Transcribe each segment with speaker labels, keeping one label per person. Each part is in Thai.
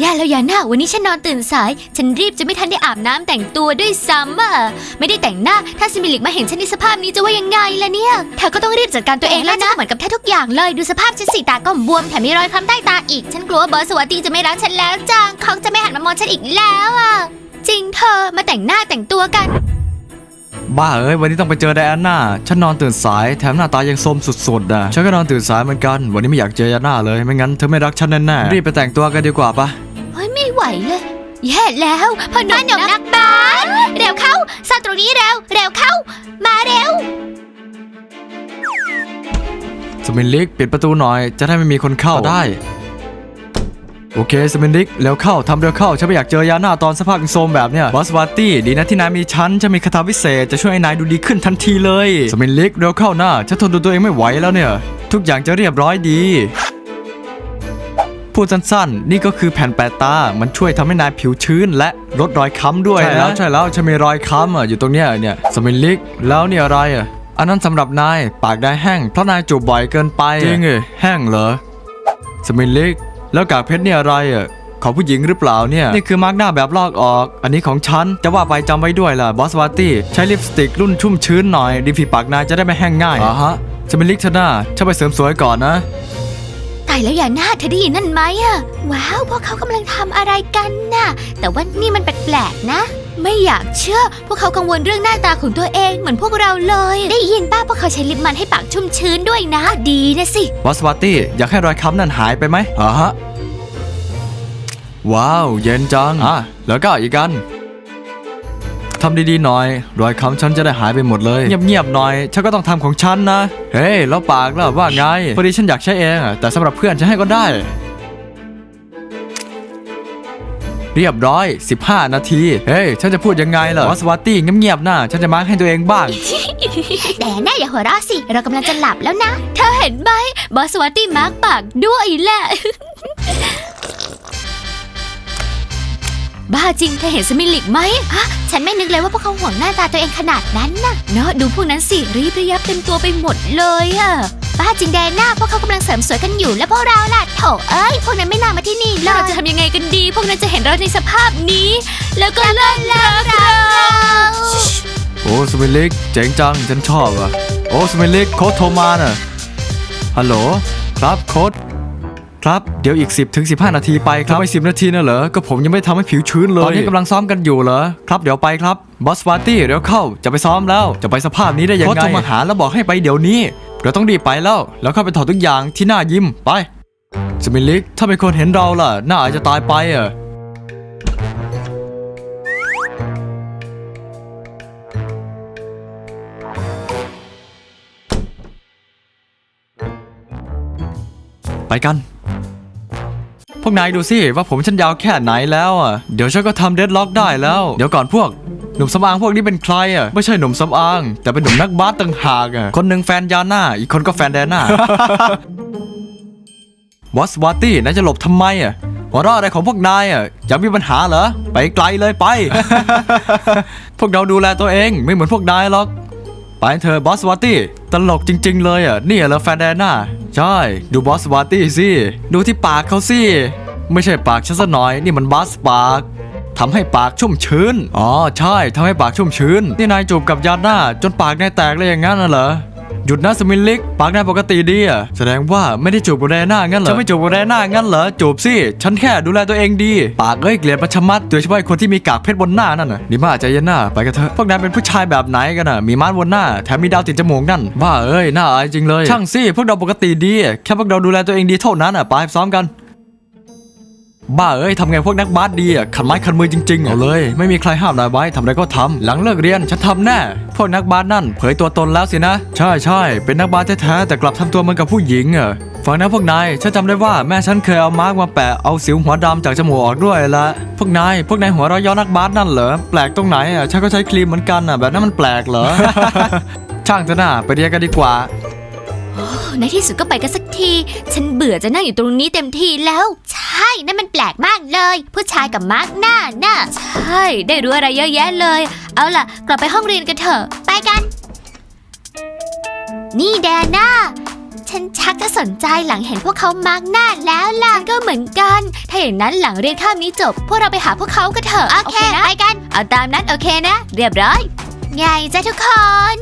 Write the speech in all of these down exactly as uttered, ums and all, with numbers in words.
Speaker 1: ย่าแล้วยาน่าวันนี้ฉันนอนตื่นสายฉันรีบจะไม่ทันได้อาบน้ำแต่งตัวด้วยซ้ำอ่ะไม่ได้แต่งหน้าถ้าซิมิลิกมาเห็นฉันในสภาพนี้จะว่ายังไงล่ะเนี่ยเธอก็ต้องรีบจัดการตัวเองแล้วนะเหมือนกับแทบทุกอย่างเลยดูสภาพฉันสีตาก็บวมแถมมีรอยคล้ำใต้ตาอีกฉันกลัวว่าบอสสวัสดีจะไม่รักฉันแล้วจังเขาจะไม่หันมามองฉันอีกแล้วอ่ะจริงเธอมาแต่งหน้าแต่งตัวกัน
Speaker 2: บ้าเอ้ยวันนี้ต้องไปเจอไดอาน่าฉันนอนตื่นสายแถมหน้าตายังโทรมสุดๆอ่ะฉันก็นอนตื่นสายเหมือนกันวันนี้ไม่อยากเจอไดอาน่าเลยไม่งั้นเธอไม่รักฉันแน่ๆรีบไปแต่งตัวกันดีกว่าปะ
Speaker 1: เฮ้ยไม่ไหวเลยแย่แล้วพ่อหนุ่มนักบาสเร็วเข้าซ่อนตรงนี้เร็วเร็วเข้ามาเร็ว
Speaker 2: สมินลิกปิดประตูหน่อยจะได้ไม่มีคนเข้าได้โอเคสมินลิกแล้วเข้าทำเร็วเข้าฉันไม่อยากเจอยาน่าตอนสภาพโซมแบบเนี้ยบอสวาตี้ดีนะที่นายมีฉันจะมีคาถาวิเศษจะช่วยให้นายดูดีขึ้นทันทีเลยสมินลิกเร็วเข้าหน้าฉันทนดูตัวเองไม่ไหวแล้วเนี่ยทุกอย่างจะเรียบร้อยดีพูดสั้นๆนี่ก็คือแผ่นแปะตามันช่วยทำให้นายผิวชื้นและลดรอยค้ำด้วยนะใช่แล้วใช่แล้วฉันมีรอยค้ำอ่ะอยู่ตรงเนี้ยเนี่ยสมินลิกแล้วเนี่ยอะไรอ่ะอันนั้นสำหรับนายปากได้แห้งเพราะนายจูบบ่อยเกินไปจริงเหรอแห้งเหรอสมินลิกแล้วกากเพชรเนี่ยอะไรอ่ะของผู้หญิงหรือเปล่าเนี่ยนี่คือมาร์กหน้าแบบลอกออกอันนี้ของฉันจะว่าไปจำไว้ด้วยล่ะบอสวาตี้ใช้ลิปสติกรุ่นชุ่มชื้นหน่อยริมฝีปากนายจะได้ไม่แห้งง่ายอ่ะฮะสมินลิกเธอหน้าฉันไปเสริมสวยก่อนนะ
Speaker 1: ตายแล้วยาน่าเธอได้ยินนั่นไหมอะว้าวพวกเขากำลังทำอะไรกันน่ะแต่ว่านี่มันแปลกๆนะไม่อยากเชื่อพวกเขากังวลเรื่องหน้าตาของตัวเองเหมือนพวกเราเลยได้ยินป้าพวกเขาใช้ลิปมันให้ปากชุ่มชื้นด้วยนะดีนะสิ
Speaker 2: บอสวาตี้อยากให้รอยค้ำนั่นหายไปไหมอ่ะฮะว้าวเย็นจังอ่ะแล้วก็อีกกันทำดีๆหน่อยรอยค้ำฉันจะได้หายไปหมดเลยเงียบๆหน่อยฉันก็ต้องทำของฉันนะเฮ้ยแล้วปากล่ะว่าไงพอดีฉันอยากใช้เองแต่สำหรับเพื่อนฉันให้ก็ได้เรียบร้อยสิบห้านาทีเฮ้ยฉันจะพูดยังไงล่ะบอสวาตี้เงียบๆนะฉันจะมาร์คให้ตัวเองบ้าง
Speaker 1: แต่แน่อย่าหัวเราะสิเรากำลังจะหลับแล้วนะเธอเห็นไหมบอสวาตี้มาร์คปากด้วยแหละ บ้าจริงเธอเห็นสมิลิกไหมฮะฉันไม่นึกเลยว่าพวกเขาห่วงหน้าตาตัวเองขนาดนั้นนะเนาะดูพวกนั้นสิรีบระยับเต็มตัวไปหมดเลยอะบ้าจริงแดน่าพวกเขากำลังเสริมสวยกันอยู่แล้วพวกเราล่ะโถเอ้ยพวกนั้นไม่น่ามาที่นี่เลยเราจะทำยังไงกันดีพวกนั้นจะเห็นเราในสภาพนี้แล้วก็เลิกรักเรา
Speaker 2: โอ้สมิลิกเจ๋งจังฉันชอบอ่ะโอ้สมิลิกโค้ดโทรมาน่ะฮัลโหลครับโค้ดครับเดี๋ยวอีก สิบถึงสิบห้า นาทีไปครับไม่สิบนาทีนะเหรอก็ผมยังไม่ทำให้ผิวชื้นเลยตอนนี้กำลังซ้อมกันอยู่เหรอครับเดี๋ยวไปครับบอสวาตี้เดี๋ยวเข้าจะไปซ้อมแล้วจะไปสภาพนี้ได้ยังไงโค้ดโทรมาหาแล้วบอกให้ไปเดี๋ยวนี้เราต้องรีบไปแล้วแล้วเข้าไปถอดทุกอย่างที่หน้ายิ้มไปสมิลิกถ้าเป็นคนเห็นเราล่ะหน้าอาจจะตายไปอ่ะไปกันพวกนายดูสิว่าผมฉันยาวแค่ไหนแล้วอ่ะเดี๋ยวฉันก็ทำเดดล็อกได้แล้วเดี๋ยวก่อนพวกหนุ่มสำอางพวกนี้เป็นใครอ่ะไม่ใช่หนุ่มสำอางแต่เป็นหนุ่มนักบาสต่างหากอ่ะคนหนึ่งแฟนยาน่าอีกคนก็แฟนแดน่า บอสวาตี้นายจะหลบทำไมอ่ะหัวเราะอะไรของพวกนายอ่ะอยากมีปัญหาเหรอไปไกลเลยไป พวกเราดูแลตัวเองไม่เหมือนพวกนายหรอกไปเธอบอสวาตี้ตลกจริงๆเลยอ่ะนี่เหรอแฟนแดน่าใช่ดูบอสวาตี้สิดูที่ปากเขาสิไม่ใช่ปากฉันซะหน่อยนี่มันบอสปากทำให้ปากชุ่มชื้นอ๋อใช่ทำให้ปากชุ่มชื้นนี่นายจูบกับยาน่าจนปากนายแตกเลยอย่างงั้นน่ะเหรอหยุดนะสมิลลิกปากนายปกติดีอ่ะแสดงว่าไม่ได้จูบกับแดน่างั้นเหรอฉันไม่จูบกับแดน่างั้นเหรอจูบสิฉันแค่ดูแลตัวเองดีปากเอ้ยเกลียดประชมัดโดยเฉพาะคนที่มีกากเพชรบนหน้านั่นน่ะนี่มาใจเย็นหน้าไปกันเถอะพวกนายเป็นผู้ชายแบบไหนกันน่ะมีม้านบนหน้าแถมมีดาวติดจมูกนั่นบ้าเอ้ยน่าอายจริงเลยช่างสิพวกเราปกติดีแค่พวกเราดูแลตัวเองดีเท่านั้นอ่ะไปซ้อมกันบ้าเอ้ยทำไงพวกนักบาสดีอ่ะขันไม้ขันมือจริงๆเอาเลยไม่มีใครห้ามนายไว้ทำอะไรก็ทำหลังเลิกเรียนฉันทำแน่พวกนักบาสนั่นเผยตัวตนแล้วสินะใช่ใช่เป็นนักบาสแท้ๆแต่กลับทำตัวเหมือนกับผู้หญิงอ่ะฟังนะพวกนายฉันจำได้ว่าแม่ฉันเคยเอามาร์กมาแปะเอาสิวหัวดำจากจมูกออกด้วยละพวกนายพวกนายหัวเราะย้อนนักบาสนั่นเหรอแปลกตรงไหนอ่ะฉันก็ใช้ครีมเหมือนกันอ่ะแบบนั้นมันแปลกเหรอ ช่างเถอะนะไปเรียนกันดีกว่า
Speaker 1: ในที่สุดก็ไปกันสักทีฉันเบื่อจะนั่งอยู่ตรงนี้เต็มทีแล้วใช่นั่นมันแปลกมากเลยผู้ชายกับมาร์กหน้าน่ะใช่ได้รู้อะไรเยอะแยะเลยเอาล่ะกลับไปห้องเรียนกันเถอะไปกันนี่แดน่าฉฉันชักจะสนใจหลังเห็นพวกเขามาร์กหน้าแล้วล่ะก็เหมือนกันถ้าอย่างนั้นหลังเรียนข้ามนี้จบพวกเราไปหาพวกเขากันเถอะโอเคไปกันเอาตามนั้นโอเคนะเรียบร้อยไงจ้ะทุกคน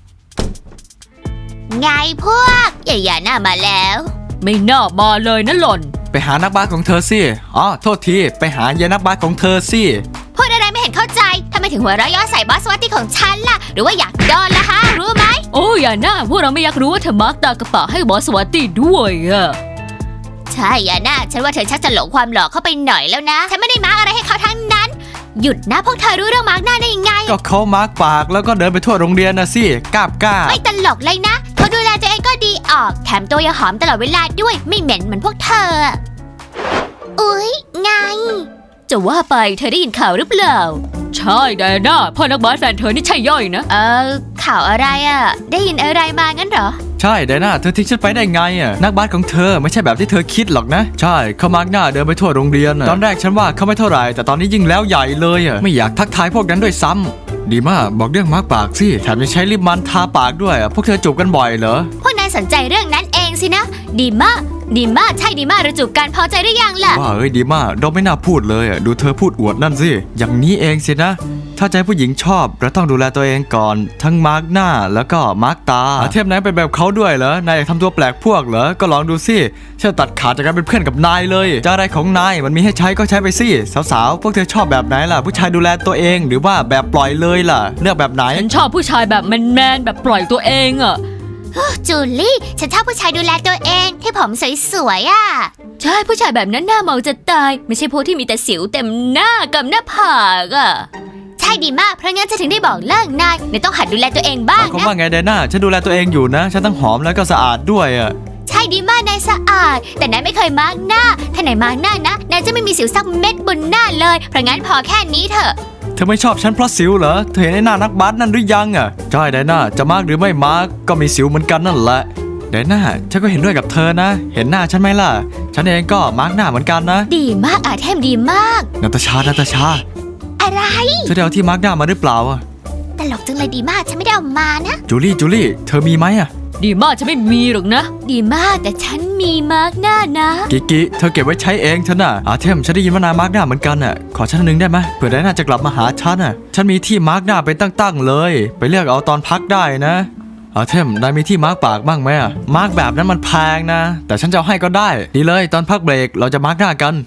Speaker 1: ไงพวกอย่าอย่าหน้ามาแล้วไม่น่ามาเลยนะหล่อน
Speaker 2: ไปหานักบาสของเธอสิอ๋อโทษทีไปหายายนักบาสของเธอสิ
Speaker 1: พูดอะไรไม่เห็นเข้าใจทำไมถึงหัวเราะย่อใส่บอสวัตตี้ของฉันล่ะหรือว่าอยากโดนล่ะฮะรู้ไหมโอ้อย่าหน้าพวกเราไม่อยากรู้ว่าเธอมาร์กตากระเป๋าให้บอสวัตตี้ด้วยอะใช่อย่าหน้าฉันว่าเธอชักจะหลงความหล่อเข้าไปหน่อยแล้วนะฉันไม่ได้มาร์กอะไรให้เขาทั้งนั้นหยุดนะพวกเธอรู้เรื่องมาร์กหน้าได้ยังไง
Speaker 2: ก็เขามาร์กปากแล้วก็เดินไปทั่วโรงเรียนนะสิกล้าบกล้า
Speaker 1: ไม่ตลกเลยนะเขาดูแลตัวเองก็ดีออกแถมตัวยังหอมตลอดเวลาด้วยไม่เหม็นเหมือนพวกเธออุ๊ยไงจะว่าไปเธอได้ยินข่าวหรือเปล่าใช่ไดอาน่าพ่อนักบาสแฟนเธอนี่ใช่ย่อยนะเออข่าวอะไรอ่ะได้ยินอะไรมางั้นเหรอ
Speaker 2: ใช่ไดอาน่าเธอทิ้งฉันไปได้ไงอ่ะนักบาสของเธอไม่ใช่แบบที่เธอคิดหรอกนะใช่เขามาร์กหน้าเดินไปทั่วโรงเรียนตอนแรกฉันว่าเขาไม่เท่าไหร่แต่ตอนนี้ยิ่งแล้วใหญ่เลยอ่ะไม่อยากทักทายพวกนั้นด้วยซ้ำดีมากบอกเรื่องมาร์กปากสิแถมยังใช้ลิปมันทาปากด้วยพวกเธอจูบกันบ่อยเหรอ
Speaker 1: พวกนายสนใจเรื่องนั้นเองสินะดีมากดีมากใช่ดีมากเราจูบกันพอใจหรือยังล่ะ
Speaker 2: ว่าเอ้ยดีมากเราไม่น่าพูดเลยอ่ะดูเธอพูดอวดนั่นสิอย่างนี้เองสินะถ้าใจผู้หญิงชอบเราต้องดูแลตัวเองก่อนทั้งมาร์กหน้าแล้วก็มาร์กตาเทพนายเป็นแบบเขาด้วยเหรอนายอยากทำตัวแปลกพวกเหรอก็ลองดูสิฉันตัดขาดจากการเป็นเพื่อนกับนายเลยจะอะไรของนายมันมีให้ใช้ก็ใช้ไปสิสาวๆพวกเธอชอบแบบไหนล่ะผู้ชายดูแลตัวเองหรือว่าแบบปล่อยเลยล่ะเลือกแบบไหน
Speaker 3: ฉันชอบผู้ชายแบบแมนๆแบบปล่อยตัวเองอ่ะ
Speaker 1: จูลี่ฉันชอบผู้ชายดูแลตัวเองที่ผมสวยๆอ่ะ
Speaker 3: ใช่ผู้ชายแบบนั้นหน้าเมาจะตายไม่ใช่พวกที่มีแต่สิวเต็มหน้ากับหน้าผากอ่ะ
Speaker 1: ใช่ดีมากเพราะงั้นจะถึงได้บอกเลิกนายนายต้องหัดดูแลตัวเองบ้างนะ
Speaker 2: เขาว่าไงไดอาน่าฉันดูแลตัวเองอยู่นะฉันทั้งหอมแล้วก็สะอาดด้วยอ่ะ
Speaker 1: ใช่ดีมากนายสะอาดแต่นายไม่เคยมาร์กหน้าถ้านายมาร์กหน้านะนายจะไม่มีสิวสักเม็ดบนหน้าเลยเพราะงั้นพอแค่นี้เถอะ
Speaker 2: เธอไม่ชอบฉันเพราะสิวเหรอเธอเห็นไอ้หน้านักบาสนั่นหรือยังอ่ะใช่ไดอาน่าจะมาร์กหรือไม่มาร์กก็มีสิวเหมือนกันนั่นแหละไดอาน่าฉันก็เห็นด้วยกับเธอนะเห็นหน้าฉันไหมล่ะฉันเองก็มาร์กหน้าเหมือนกันนะ
Speaker 1: ดีมากอาเทมดีมาก
Speaker 2: นาตาชานาตาชา
Speaker 1: อะไร
Speaker 2: เธอได้เอาที่มาร์กหน้ามาหรือเปล่าอ่ะ
Speaker 1: ตลกจังเลยดีมากฉันไม่ได้เอามานะ
Speaker 2: จูลี่จูลี่เธอมีไหมอ่ะ
Speaker 3: ดีมากฉันไม่มีหรอกนะ
Speaker 1: ดีมากแต่ฉันมีมาร์กหน้านะ
Speaker 2: กิกิเธอเก็บไว้ใช้เองฉันน่ะอาเทมฉันได้ยินว่านายมาร์กหน้าเหมือนกันน่ะขอฉันนึงได้ไหมเผื่อไดอาน่าจะกลับมาหาฉันน่ะฉันมีที่มาร์กหน้าเป็นตั้งๆเลยไปเลือกเอาตอนพักได้นะอาเทมนายมีที่มาร์กปากบ้างไหมอ่ะมาร์กแบบนั้นมันแพงนะแต่ฉันจะเอาให้ก็ได้ดีเลยตอนพักเบรกเราจะมาร์กหน้ากัน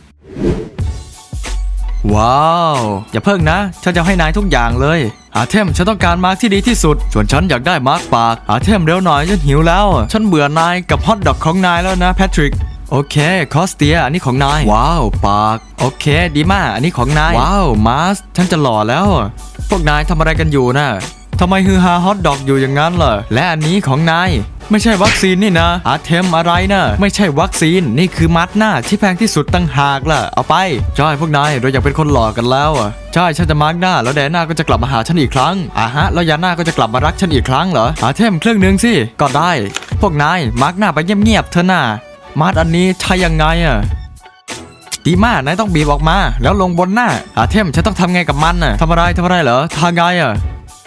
Speaker 2: ว้าวอย่าเพิ่งนะฉันจะให้นายทุกอย่างเลยอาเทมฉันต้องการมาร์กที่ดีที่สุดส่วนฉันอยากได้มาร์กปากอาเทมเร็วหน่อยฉันหิวแล้วฉันเบื่อนายกับฮอทดอกของนายแล้วนะแพทริกโอเคคอสเตียอันนี้ของนายว้าวปากโอเคดีมากอันนี้ของนายว้าวมาสฉันจะหล่อแล้วพวกนายทำอะไรกันอยู่นะทำไมฮือฮาฮอทดอกอยู่อย่างนั้นล่ะและอันนี้ของนายไม่ใช่วัคซีนนี่นะอาเทมอะไรนะไม่ใช่วัคซีนนี่คือมัดหน้าที่แพงที่สุดตั้งหากล่ะเอาไปใช่พวกนายเราอยากเป็นคนหล่อกันแล้วอ่ะใช่ฉันจะมาร์กหน้าแล้วแดน่าก็จะกลับมาหาฉันอีกครั้งอ่ะฮะแล้วยาน่าก็จะกลับมารักฉันอีกครั้งเหรออาเทมเครื่องนึงสิก็ได้พวกนายมาร์กหน้าไปเงียบๆเถอะน่ะมัดอันนี้ใช่ยังไงอ่ะดีมากนายต้องบีบออกมาแล้วลงบนหน้าอาเทมฉันต้องทำไงกับมันน่ะทำอะไรทำอะไรเหรอทางไงอ่ะ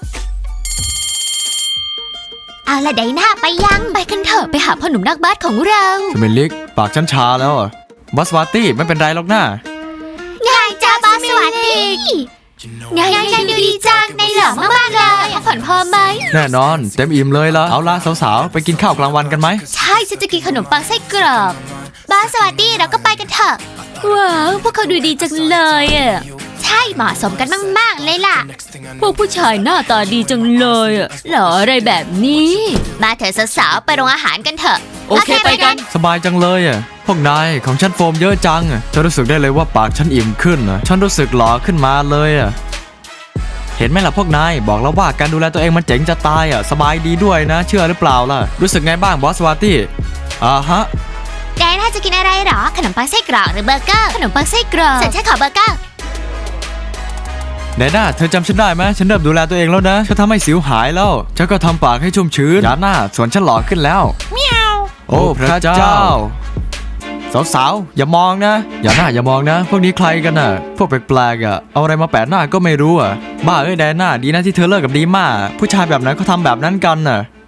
Speaker 1: เอาละไดอาน่าไปยังไปกันเถอะไปหาพ่อหนุ่มนักบาสของเรา
Speaker 2: สมิลิกปากฉันชาแล้วอ่ะบอสวาตี้ไม่เป็นไรหรอกนะ
Speaker 1: ไงจ้าบอสวาตี้ไงไงดูดีจังในหล่อมากๆเลยพักผ่อนพอไหม
Speaker 2: แน่นอนเต็มอิ่มเลยละเอาละสาวๆไปกินข้าวกลางวันกันไหม
Speaker 1: ใช่ฉันจะกินขนมปังไส้กรอบบอสวาตี้เราก็ไปกันเถอะ
Speaker 3: ว้าวพวกเขาดูดีจังเลยอ่ะ
Speaker 1: ใช่เหมาะสมกันมากๆเลยล่ะ
Speaker 3: พวกผู้ชายหน้าตาดีจังเลยอ่ะหล่ออะไรแบบนี้
Speaker 1: มาเถอะสาวๆไปโรงอาหารกันเถอะ
Speaker 3: โอเคไปกัน
Speaker 2: สบายจังเลยอ่ะพวกนายของฉันโฟมเยอะจังฉันรู้สึกได้เลยว่าปากฉันอิ่มขึ้นอ่ะฉันรู้สึกหล่อขึ้นมาเลยอ่ะเห็นไหมล่ะพวกนายบอกแล้วว่าการดูแลตัวเองมันเจ๋งจะตายอ่ะสบายดีด้วยนะเชื่อหรือเปล่าล่ะรู้สึกไงบ้างบอสวาตี้อ่าฮะ
Speaker 1: แกน่าจะกินอะไรหรอขนมปังไส้กรอกหรือเบอร์เกอร์
Speaker 3: ขนมปังไส้กรอก
Speaker 1: ฉันใช้ขอเบอร์เกอร์
Speaker 2: ไดอาน่าเธอจำฉันได้ไหมฉันเริ่มดูแลตัวเองแล้วนะฉันทำให้สิวหายแล้วฉันก็ทำปากให้ชุ่มชื้นยาน่าส่วนฉันหล่อขึ้นแล้ว
Speaker 1: เมียว
Speaker 2: โอ้พระเจ้าสาวๆอย่ามองนะอย่าหน้าอย่ามองนะพวกนี้ใครกันน่ะพวกแปลกๆอ่ะเอาอะไรมาแปะหน้าก็ไม่รู้อ่ะบ้าเอ้ยไดอาน่าดีนะที่เธอเลิกกับดีม่าผู้ชายแบบนั้นเขาทำแบบนั้นกันน่ะ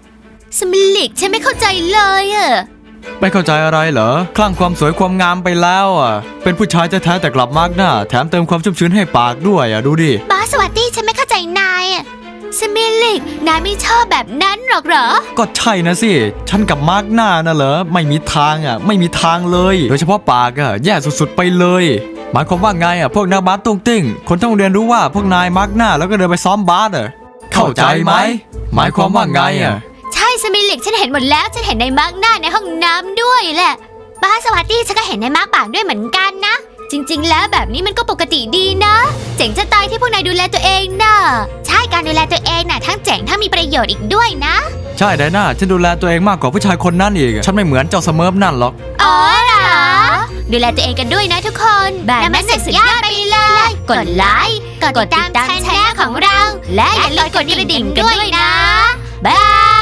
Speaker 1: สมิลิกฉันไม่เข้าใจเลยอะ
Speaker 2: ไม่เข้าใจอะไรเหรอคลั่งความสวยความงามไปแล้วอ่ะเป็นผู้ชายแท้ๆแต่กลับมากหน้าแถมเติมความชุ่มชื้นให้ปากด้วยอ่ะดูดิ
Speaker 1: บอสวัตตี้ฉันไม่เข้าใจนายอะสมิลิกนายไม่ชอบแบบนั้นหรอกเหรอ
Speaker 2: ก็ใช่นะสิฉันกับมาร์กหน้าน่ะเหรอไม่มีทางอ่ะไม่มีทางเลยโดยเฉพาะปากอ่ะแย่สุดๆไปเลยหมายความว่าไงอ่ะพวกนักบาสตุ้งติ้งคนทั้งโรงเรียนรู้ว่าพวกนายมาร์กหน้าแล้วก็เดินไปซ้อมบาสอ่ะเข้าใจไหมหมายความว่าไงอ่ะ
Speaker 1: ใช่สมิลิกฉันเห็นหมดแล้วฉันเห็นในมาร์กหน้าในห้องน้ำด้วยแหละบอสวัตตี้ฉันก็เห็นในมาร์กปากด้วยเหมือนกันนะจริงๆแล้วแบบนี้มันก็ปกติดีนะเจ๋งจะตายที่พวกนายดูแลตัวเองนะใช่การดูแลตัวเองน่ะทั้งเจ๋งทั้งมีประโยชน์อีกด้วยนะ
Speaker 2: ใช่ไดน่าฉันดูแลตัวเองมากกว่าผู้ชายคนนั้นอีกฉันไม่เหมือนเจ้าสเมิร์ฟนั่นหรอก
Speaker 1: อ๋อเหรอดูแลตัวเองกันด้วยนะทุกคนแบบนั้นสุดยอดไปเลย กดไลค์กดติดตามช่องของเรา และอย่าลืมกดกระดิ่งกันด้วยนะบาย